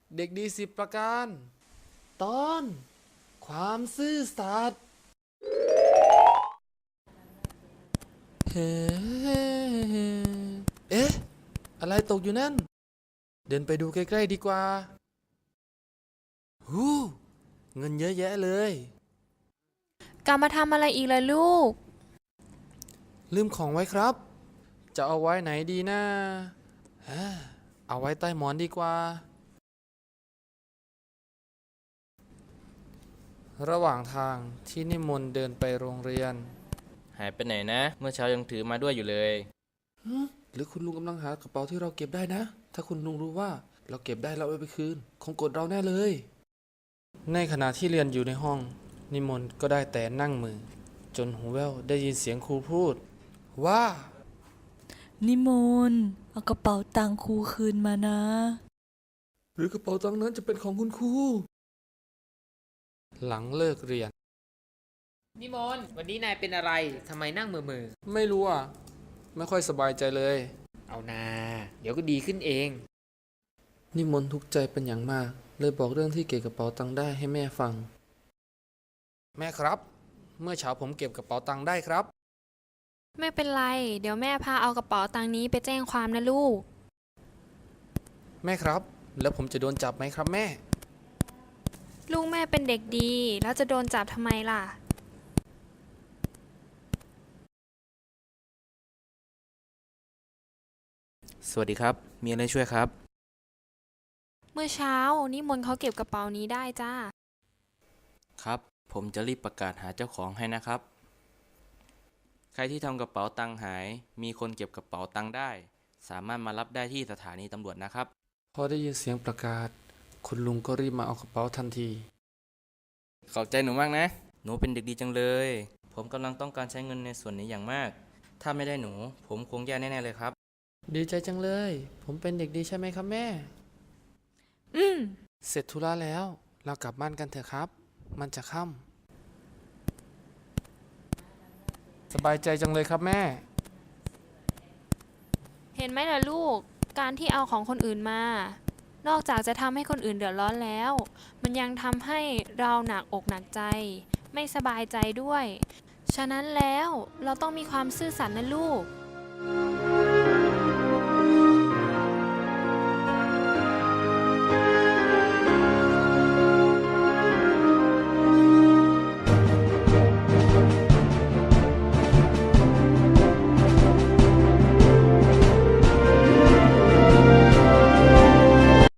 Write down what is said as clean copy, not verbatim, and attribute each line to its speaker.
Speaker 1: เด็กดี10 ประการตอนความซื่อสัตย์เฮ้เอ๊ะอะไรตกอยู่นั่นเดินไปดูใกล้ๆดีกว่าเงินเยอะแยะเลย
Speaker 2: กลับมาทำอะไรอีกล่ะลูก
Speaker 1: ลืมของไว้ครับจะเอาไว้ไหนดีนะเอาไว้ใต้หมอนดีกว่าระหว่างทางที่นิมนต์เดินไปโรงเรียน
Speaker 3: หายไปไหนนะ เมื่อเช้ายังถือมาด้วยอยู่เลย
Speaker 1: หรือคุณลุงกำลังหากระเป๋าที่เราเก็บได้นะ ถ้าคุณลุงรู้ว่าเราเก็บได้แล้วเอาไปคืนคงโกรธเราแน่เลย ในขณะที่เรียนอยู่ในห้อง นิมนต์ก็ได้แต่นั่งมือ จนหูแว่วได้ยินเสียงครูพูด ว่า
Speaker 4: นิมนต์เอากระเป๋าตังค์ครูคืนมานะ
Speaker 1: หรือกระเป๋าตังค์นั้นจะเป็นของคุณครูหลังเลิกเรียน
Speaker 5: นิมนต์วันนี้นายเป็นอะไรทำไมนั่งมือ
Speaker 1: ไม่รู้อ่ะไม่ค่อยสบายใจเลย
Speaker 5: เอานาเดี๋ยวก็ดีขึ้นเอง
Speaker 1: นิมนต์ทุกข์ใจเป็นอย่างมาก เลยบอกเรื่องที่เก็บกระเป๋าตังค์ได้ให้แม่ฟัง แม่ครับ เมื่อเช้าผมเก็บกระเป๋าตังค์ได้ครับ
Speaker 2: ไม่เป็นไรเดี๋ยวแม่พาเอากระเป๋าตังค์นี้ไปแจ้งความนะลูก
Speaker 1: แม่ครับ แล้วผมจะโดนจับไหมครับแม่
Speaker 2: ลูกแม่เป็นเด็กดีแล้วจะโดนจับทำไมล่ะ
Speaker 3: สวัสดีครับ มีอะไรช่วยครับ
Speaker 2: เมื่อเช้านิมนต์เขาเก็บกระเป๋านี้ได้จ้า
Speaker 3: ครับ ผมจะรีบประกาศหาเจ้าของให้นะครับ ใครที่ทำกระเป๋าตังค์หาย มีคนเก็บกระเป๋าตังค์ได้ สามารถมารับได้ที่สถานีตำรวจนะครับ
Speaker 1: พอได้ยินเสียงประกาศ คุณลุงก็รีบมาเอากระเป๋าทันที
Speaker 3: ขอบใจหนูมากนะ หนูเป็นเด็กดีจังเลย ผมกำลังต้องการใช้เงินในส่วนนี้อย่างมาก ถ้าไม่ได้หนู ผมคงแย่แน่ๆเลยครับ
Speaker 1: ดีใจจังเลย ผมเป็นเด็กดีใช่ไหมครับแม่
Speaker 2: อืม
Speaker 1: เสร็จธุระแล้ว เรากลับบ้านกันเถอะครับ มันจะค่ำสบายใจจังเลยครับแม่
Speaker 2: เห็นไหมล่ะลูกการที่เอาของคนอื่นมา นอกจากจะทำให้คนอื่นเดือดร้อนแล้ว มันยังทำให้เราหนักอกหนักใจ ไม่สบายใจด้วย ฉะนั้นแล้วเราต้องมีความซื่อสัตย์นะลูก